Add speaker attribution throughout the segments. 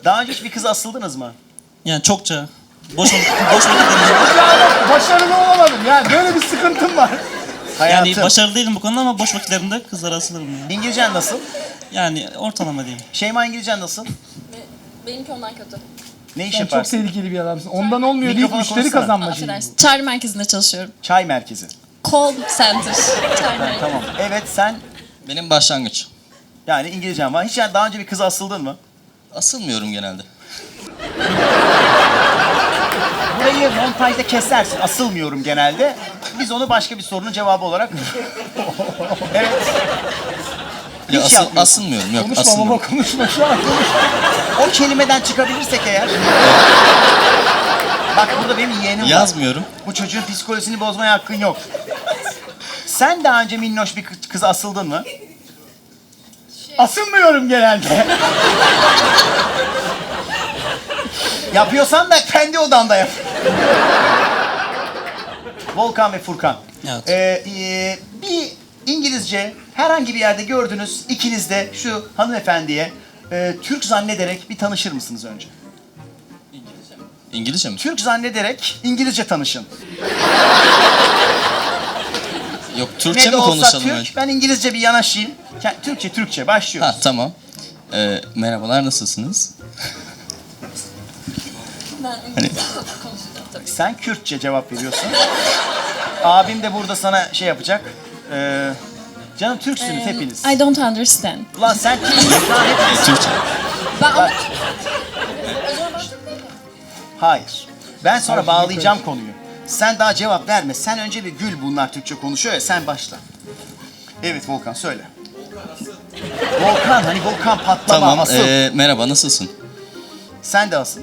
Speaker 1: Daha önce hiç bir kıza asıldınız mı?
Speaker 2: Yani çokça. Boş vakitlerimde.
Speaker 3: Yani başarılı olamadım. Yani böyle bir sıkıntım var.
Speaker 1: Hayatım.
Speaker 2: Yani başarılı değilim bu konuda ama boş vakitlerimde kızlara asılırım ya.
Speaker 1: İngilizcen nasıl?
Speaker 2: Yani ortalama diyeyim.
Speaker 1: Şeyma, İngilizcen nasıl?
Speaker 4: Benimki ondan kötü.
Speaker 1: Ne iş
Speaker 3: Sen çok
Speaker 1: yaparsın?
Speaker 3: tehlikeli bir adamsın. Ondan olmuyor deyip
Speaker 1: Mikrofona
Speaker 3: müşteri
Speaker 1: konuşsana.
Speaker 3: kazanmacıyım.
Speaker 4: Affedersin. Çağrı merkezinde çalışıyorum.
Speaker 1: Çay merkezi.
Speaker 4: Call center. Çağrı merkezi.
Speaker 1: Tamam. Evet, sen
Speaker 5: Benim başlangıç.
Speaker 1: yani İngilizcen var. Hiç yani daha önce bir kıza asıldın mı?
Speaker 5: Asılmıyorum genelde.
Speaker 1: Burayı montajda kesersin. Asılmıyorum genelde. Biz onu başka bir sorunun cevabı olarak... Evet.
Speaker 5: Ya
Speaker 1: Hiç yapmıyorsun.
Speaker 5: asılmıyorum. Yok
Speaker 3: Konuşma
Speaker 5: asılmıyorum.
Speaker 3: baba konuşma şu an konuşma.
Speaker 1: O kelimeden çıkabilirsek eğer... Bak burada benim yeğenim var.
Speaker 5: Yazmıyorum.
Speaker 1: Bu çocuğun psikolojisini bozmaya hakkın yok. Sen daha önce minnoş bir kıza asıldın mı?
Speaker 3: Asılmıyorum genelde.
Speaker 1: Yapıyorsan da kendi odanda yap. Volkan ve Furkan.
Speaker 2: Evet.
Speaker 1: Bir İngilizce herhangi bir yerde gördünüz, ikiniz de şu hanımefendiye Türk zannederek bir tanışır mısınız önce?
Speaker 5: İngilizce mi?
Speaker 1: Türk zannederek İngilizce tanışın.
Speaker 5: Yok Türkçe
Speaker 1: Ne
Speaker 5: mi
Speaker 1: de olsa
Speaker 5: konuşalım
Speaker 1: Türk,
Speaker 5: önce?
Speaker 1: ben İngilizce bir yanaşayım. Türkçe başlıyoruz.
Speaker 5: Ha tamam. Merhabalar nasılsınız?
Speaker 4: Ben
Speaker 5: Hani-
Speaker 4: konuşacağım tabii.
Speaker 1: Sen Kürtçe cevap veriyorsun. Abim de burada sana şey yapacak. Canım Türksünüz hepiniz.
Speaker 4: I don't understand.
Speaker 1: Ulan sen Türksün lan hepiniz.
Speaker 5: Türkçe.
Speaker 4: Ben ama...
Speaker 1: Hayır. Ben sonra bağlayacağım konuyu. Sen daha cevap verme. Sen önce bir gül, bunlar Türkçe konuşuyor ya, sen başla. Evet Volkan söyle. Volkan, hani Volkan patlama,
Speaker 5: Tamam.
Speaker 1: asıl.
Speaker 5: Merhaba nasılsın?
Speaker 1: Sen de asıl.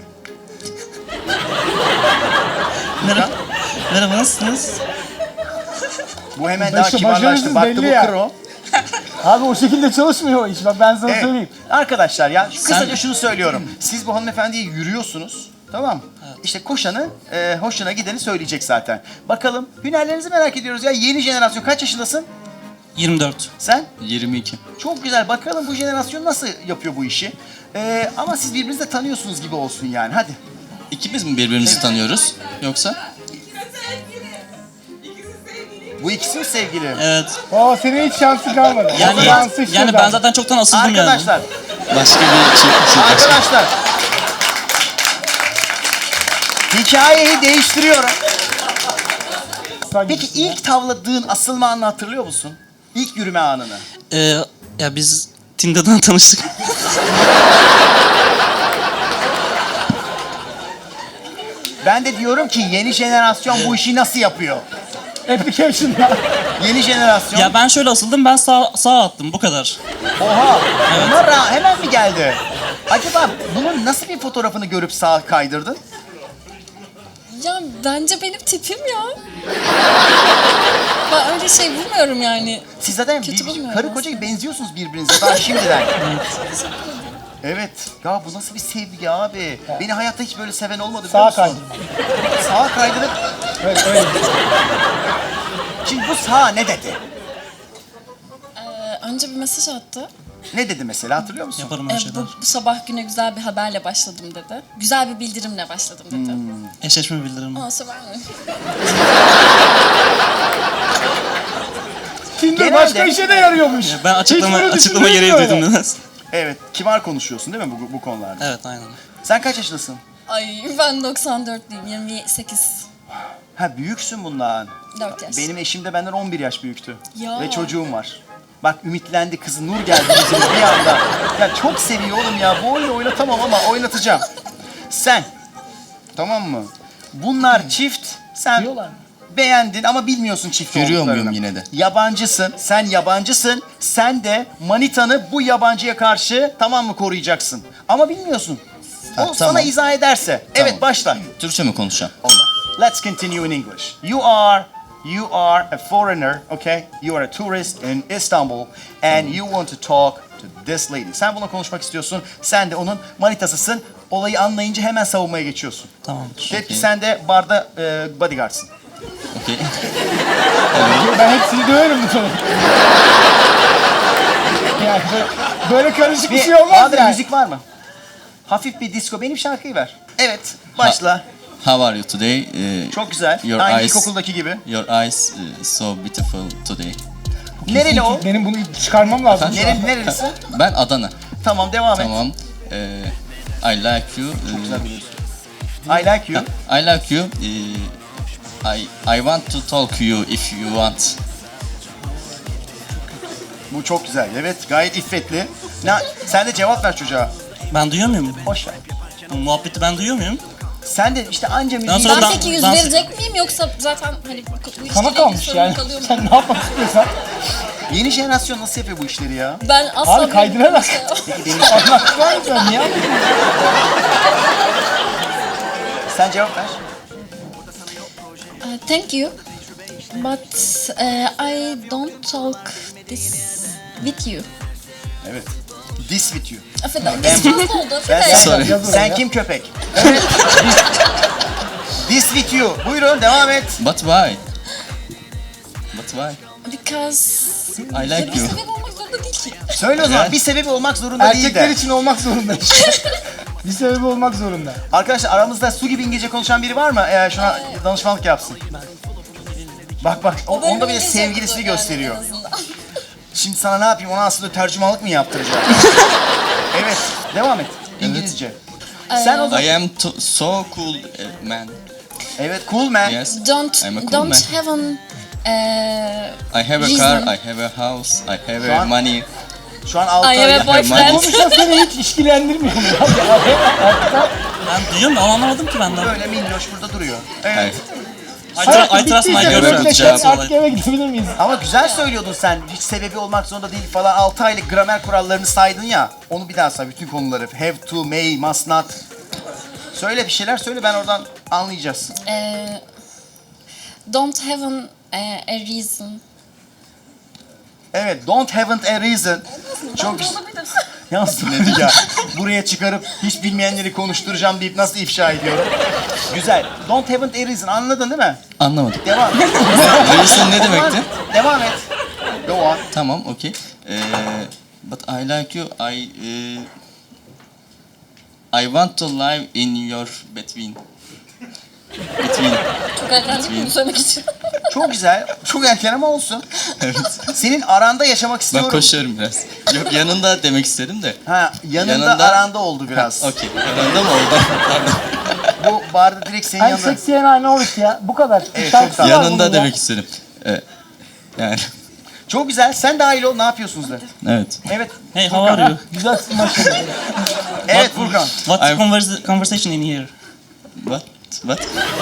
Speaker 2: Merhaba nasılsınız?
Speaker 1: Bu hemen daha
Speaker 3: Başa-
Speaker 1: kibarlaştı.
Speaker 3: başarısız
Speaker 1: Baktı
Speaker 3: belli
Speaker 1: bu
Speaker 3: ya.
Speaker 1: kro.
Speaker 3: Abi o şekilde çalışmıyor o iş. Bak ben sana
Speaker 1: Evet.
Speaker 3: söyleyeyim.
Speaker 1: Arkadaşlar ya kısaca şunu söylüyorum. Siz bu hanımefendiye yürüyorsunuz. Tamam mı? İşte koşanı, hoşuna gideni söyleyecek zaten. Bakalım, hünerlerinizi merak ediyoruz ya. Yeni jenerasyon, kaç yaşındasın?
Speaker 2: 24.
Speaker 1: Sen?
Speaker 5: 22.
Speaker 1: Çok güzel. Bakalım bu jenerasyon nasıl yapıyor bu işi. Ama siz birbirinizi de tanıyorsunuz gibi olsun yani. Hadi.
Speaker 5: İkimiz mi birbirimizi tanıyoruz? Yoksa?
Speaker 1: Bu ikisi mi sevgili?
Speaker 2: Evet.
Speaker 3: Aa senin hiç şansı kalmadı.
Speaker 2: Yani
Speaker 3: Şansı işte
Speaker 2: yani ben zaten çoktan asıldım yani.
Speaker 1: Arkadaşlar,
Speaker 5: Başka bir şey.
Speaker 1: arkadaşlar. Hikayeyi değiştiriyorum. Peki ilk tavladığın asılma anını hatırlıyor musun? İlk yürüme anını.
Speaker 2: Ya biz Tinder'dan tanıştık.
Speaker 1: Ben de diyorum ki yeni jenerasyon bu işi nasıl yapıyor?
Speaker 3: Application'da.
Speaker 1: Yeni jenerasyon.
Speaker 2: Ya ben şöyle asıldım, ben sağa attım, bu kadar.
Speaker 1: Oha! Bunlar hemen mi geldi? Acaba bunun nasıl bir fotoğrafını görüp sağa kaydırdın?
Speaker 4: Ya bence benim tipim ya. Ben öyle şey bulmuyorum yani.
Speaker 1: Siz zaten
Speaker 4: Kötü bulmuyorum
Speaker 1: karı
Speaker 4: aslında.
Speaker 1: koca benziyorsunuz birbirinize daha şimdiden. Evet. Ya bu nasıl bir sevgi abi? Beni hayatta hiç böyle seven olmadı biliyor
Speaker 3: Sağa
Speaker 1: musun?
Speaker 3: kaydı.
Speaker 1: Sağa kaydırıp...
Speaker 3: Evet öyle.
Speaker 1: Şimdi bu sağa ne dedi?
Speaker 4: Önce bir mesaj attı.
Speaker 1: Ne dedi mesela, hatırlıyor musun?
Speaker 2: Yaparım öyle şeyler.
Speaker 4: Bu sabah güne güzel bir haberle başladım dedi. Güzel bir bildirimle başladım dedi.
Speaker 2: Eşleşme bildirim.
Speaker 4: Aa sever mi?
Speaker 3: Tinder
Speaker 1: Genelde-
Speaker 3: başka işe de yarıyormuş.
Speaker 2: Ben açıklama
Speaker 3: Hiç bunu
Speaker 2: gereği
Speaker 3: düşündünüz mü
Speaker 2: duydum biraz.
Speaker 1: Evet. Kibar konuşuyorsun değil mi bu konularda?
Speaker 2: Evet, aynen.
Speaker 1: Sen kaç yaşındasın?
Speaker 4: Ay ben 94'lüyüm. 28.
Speaker 1: Ha, büyüksün bundan.
Speaker 4: 4 yaş.
Speaker 1: Benim eşim de benden 11 yaş büyüktü.
Speaker 4: Ya.
Speaker 1: Ve çocuğum var. Bak ümitlendi kızı, nur geldi yüzüne bir anda. Ya çok seviyor oğlum ya. Bu oyunu oynatamam ama oynatacağım. Sen, tamam mı? Bunlar çift, sen
Speaker 3: Diyorlar mı?
Speaker 1: beğendin ama bilmiyorsun çift
Speaker 5: Görüyor
Speaker 1: olduklarını.
Speaker 5: muyum yine de?
Speaker 1: Yabancısın, sen yabancısın. Sen de manitanı bu yabancıya karşı tamam mı koruyacaksın. Ama bilmiyorsun. O
Speaker 5: Ha,
Speaker 1: sana
Speaker 5: tamam.
Speaker 1: izah ederse.
Speaker 5: Tamam.
Speaker 1: Evet, başla.
Speaker 5: Türkçe mi konuşacağım?
Speaker 1: Let's continue in English. You are a foreigner, okay? You are a tourist in Istanbul and you want to talk to this lady. Sen bununla konuşmak istiyorsun. Sen de onun manitasısın. Olayı anlayınca hemen savunmaya geçiyorsun.
Speaker 2: Tamamdır.
Speaker 1: Peki sen de barda bodyguardsın.
Speaker 5: Okey.
Speaker 3: Ben hepsini döverim bu sonu. Yani böyle karışık bir şey olmaz
Speaker 1: Bahadır,
Speaker 3: yani.
Speaker 1: müzik var mı? Hafif bir disco. Benim şarkıyı ver. Evet, başla.
Speaker 5: How are you today?
Speaker 1: Çok güzel.
Speaker 5: Your
Speaker 1: Aynı
Speaker 5: eyes-
Speaker 1: ilkokuldaki gibi.
Speaker 5: Your eyes so beautiful today.
Speaker 1: Nereli o?
Speaker 3: Benim bunu çıkarmam lazım şu an.
Speaker 1: Nerelisi?
Speaker 5: Ben Adana.
Speaker 1: Tamam, devam et.
Speaker 5: Tamam. I like you.
Speaker 1: I like you.
Speaker 5: I like you. I want to talk to you if you want.
Speaker 1: Bu çok güzel. Evet, gayet iffetli. Sen de cevap ver çocuğa.
Speaker 2: Ben duyuyor muyum?
Speaker 1: Boş ver.
Speaker 2: Bu muhabbeti ben duyuyor muyum?
Speaker 1: Sen de işte anca müziği...
Speaker 2: sonra
Speaker 4: Ben
Speaker 2: ben-
Speaker 4: peki yüz
Speaker 2: ben-
Speaker 4: verecek miyim yoksa zaten hani bu ilişkiyle
Speaker 3: Sana
Speaker 4: ilgili
Speaker 3: kalmış
Speaker 4: sorun
Speaker 3: yani.
Speaker 4: kalıyor mu?
Speaker 3: Sen ne yapmak istiyorsan.
Speaker 1: Yeni jenerasyon nasıl yapıyor bu işleri ya?
Speaker 4: Ben asla
Speaker 3: Abi kaydırarak.
Speaker 4: Benim-
Speaker 3: Anlattılar mı sen? Niye anlatıyorsun?
Speaker 1: Sen cevap ver.
Speaker 4: Thank you. But I don't talk this with you.
Speaker 1: Evet. This with you.
Speaker 4: Affedersin. This fazla oldu.
Speaker 1: Ben
Speaker 4: Affedersin.
Speaker 5: Sorry.
Speaker 3: Yaz oraya.
Speaker 1: Sen kim köpek? Evet. This with you. Buyurun devam et.
Speaker 5: But why? But why?
Speaker 4: Because...
Speaker 5: I like
Speaker 4: Bir
Speaker 5: you.
Speaker 4: sebep olmak zorunda değil ki.
Speaker 1: Söyle o zaman.
Speaker 5: Evet.
Speaker 1: Bir sebebi olmak zorunda değil
Speaker 3: Erkekler
Speaker 1: de.
Speaker 3: için olmak zorunda işte. Bir sebebi olmak zorunda.
Speaker 1: Arkadaşlar aramızda su gibi İngilizce konuşan biri var mı? Şuna danışmanlık yapsın. Bak bak.
Speaker 4: Böyle
Speaker 1: Onda
Speaker 4: bir
Speaker 1: bile
Speaker 4: İngilizce
Speaker 1: sevgilisini
Speaker 4: yapıyor yani
Speaker 1: gösteriyor.
Speaker 4: en azından.
Speaker 1: Şimdi sana ne yapayım? Ona aslında tercümanlık mı yaptıracağım? Evet. Devam et. İngilizce. Sen o zaman...
Speaker 5: I am so cool man.
Speaker 1: Evet. Cool man.
Speaker 5: Yes.
Speaker 4: Don't
Speaker 5: I'm a cool
Speaker 4: don't
Speaker 5: man.
Speaker 4: have an
Speaker 5: I have a
Speaker 4: reason.
Speaker 5: car, I have a house, I have
Speaker 1: Şu an-
Speaker 5: money.
Speaker 1: Şu an 6
Speaker 4: I have a boyfriend.
Speaker 3: Konuşan seni hiç işkilendirmiyor mu? Altta.
Speaker 2: Ben duyuyorum da anlamadım ki benden.
Speaker 1: böyle minnoş burada duruyor. Evet.
Speaker 5: Hayır.
Speaker 2: I trust my girlfriend.
Speaker 3: Röpleşen
Speaker 5: Cevap
Speaker 3: artık eve gidebilir miyiz?
Speaker 1: Ama güzel söylüyordun sen. Hiç sebebi olmak zorunda değil falan. 6 aylık gramer kurallarını saydın ya. Onu bir daha say. Bütün konuları. Have to, may, must not. Söyle bir şeyler söyle. Ben oradan anlayacağız.
Speaker 4: Don't have a reason.
Speaker 1: Evet. Don't haven't a reason. Çok güzel. Yalnız ya. Buraya çıkarıp hiç bilmeyenleri konuşturacağım deyip nasıl ifşa ediyorum. Güzel. Don't haven't a reason. Anladın değil mi?
Speaker 5: Anlamadım.
Speaker 1: Devam.
Speaker 5: Reason ne demekti?
Speaker 1: Devam et. Go on.
Speaker 5: Tamam, okay. But I like you. I want to live in your between.
Speaker 4: Çok erken değil mi bunu söylemek için?
Speaker 1: Çok güzel. Çok erken ama olsun.
Speaker 5: Evet.
Speaker 1: Senin aranda yaşamak
Speaker 5: Ben
Speaker 1: istiyorum.
Speaker 5: koşuyorum biraz. Yok yanında demek istedim de.
Speaker 1: Ha, yanında aranda oldu biraz.
Speaker 5: Okey. Yanında mı oldu? Pardon.
Speaker 1: Bu barda direkt senin
Speaker 3: I'm
Speaker 1: yanında.
Speaker 3: sexy and I know it ya. Bu kadar.
Speaker 1: Evet,
Speaker 3: Şarkısı
Speaker 1: çok
Speaker 3: var
Speaker 1: tatlı.
Speaker 3: bunun
Speaker 5: Yanında
Speaker 3: ya.
Speaker 5: demek istedim. Yani
Speaker 1: Çok güzel. Sen dahil ol. Ne yapıyorsunuz de.
Speaker 5: evet.
Speaker 1: Evet.
Speaker 2: Hey, how are you?
Speaker 3: Güzel maşallah.
Speaker 1: Evet Furkan.
Speaker 2: What's the conversation in here?
Speaker 5: What?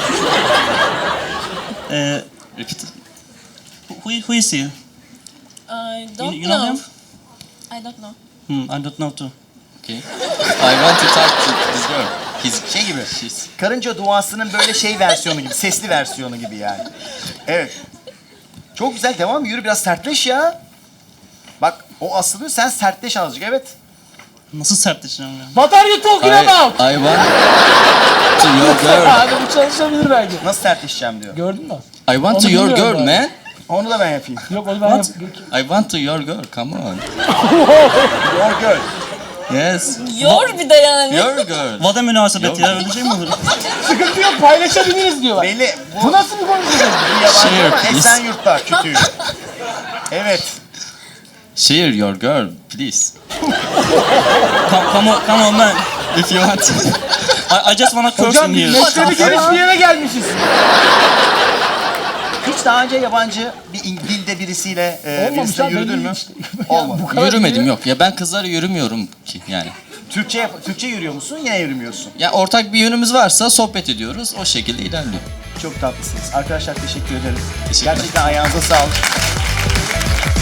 Speaker 5: Repeat.
Speaker 2: Who is he?
Speaker 4: I don't
Speaker 2: You know
Speaker 4: know.
Speaker 2: him?
Speaker 4: I don't know.
Speaker 2: I don't know too.
Speaker 5: Okay. I want to talk to this girl. His
Speaker 1: Şey gibi.
Speaker 5: She's
Speaker 1: Karınca duasının böyle şey versiyonu gibi. Sesli versiyonu gibi yani. Evet. Çok güzel. Devam. Yürü biraz sertleş ya. Bak o asılıyor. Sen sertleş azıcık. Evet.
Speaker 2: Nasıl sertleşeceğim ya?
Speaker 3: What are you talking about?
Speaker 5: I want to your girl.
Speaker 3: Abi bu çalışabilir belki.
Speaker 1: Nasıl sertleşeceğim diyor.
Speaker 3: Gördün mü?
Speaker 5: I want to
Speaker 3: Onu
Speaker 5: your
Speaker 3: bilmiyorum
Speaker 5: girl,
Speaker 3: ben.
Speaker 5: man.
Speaker 1: Onu da ben yapayım.
Speaker 3: Yok onu ben
Speaker 2: What?
Speaker 3: yap.
Speaker 5: I want to your girl. Come on.
Speaker 1: Your girl.
Speaker 5: Yes.
Speaker 4: Yor bir de yani.
Speaker 5: Your girl.
Speaker 2: Vada münasebet
Speaker 5: Yok.
Speaker 2: ya, öyle şey mi olur?
Speaker 3: Sıkıntı yok paylaşabiliriz diyorlar.
Speaker 1: Belli.
Speaker 3: Bu nasıl bir konuşma?
Speaker 1: Bu yabancı
Speaker 5: Share,
Speaker 1: ama
Speaker 5: please.
Speaker 1: Esenyurt'ta kütüğü. Evet.
Speaker 5: Share your girl, please.
Speaker 2: Come on man.
Speaker 5: If you want.
Speaker 2: I just wanna curse
Speaker 3: Hocam
Speaker 2: in
Speaker 3: biz
Speaker 2: here.
Speaker 3: meşrebi geniş bir yere gelmişiz.
Speaker 1: Hiç daha önce yabancı bir dilde birisiyle
Speaker 3: Olmamış
Speaker 1: birisiyle
Speaker 3: abi,
Speaker 1: yürüdün
Speaker 3: belli
Speaker 1: mü?
Speaker 3: işte.
Speaker 1: Olmadı.
Speaker 3: Bu kadar
Speaker 5: Yürümedim
Speaker 3: yürü-
Speaker 5: yok. Ya ben kızlara yürümüyorum ki yani.
Speaker 1: Türkçe yürüyor musun? Yine yürümüyorsun.
Speaker 5: Ya ortak bir yönümüz varsa sohbet ediyoruz. O şekilde ilerliyor.
Speaker 1: Çok tatlısınız. Arkadaşlar teşekkür ederim.
Speaker 5: Teşekkürler.
Speaker 1: Gerçekten ayağınıza sağlık.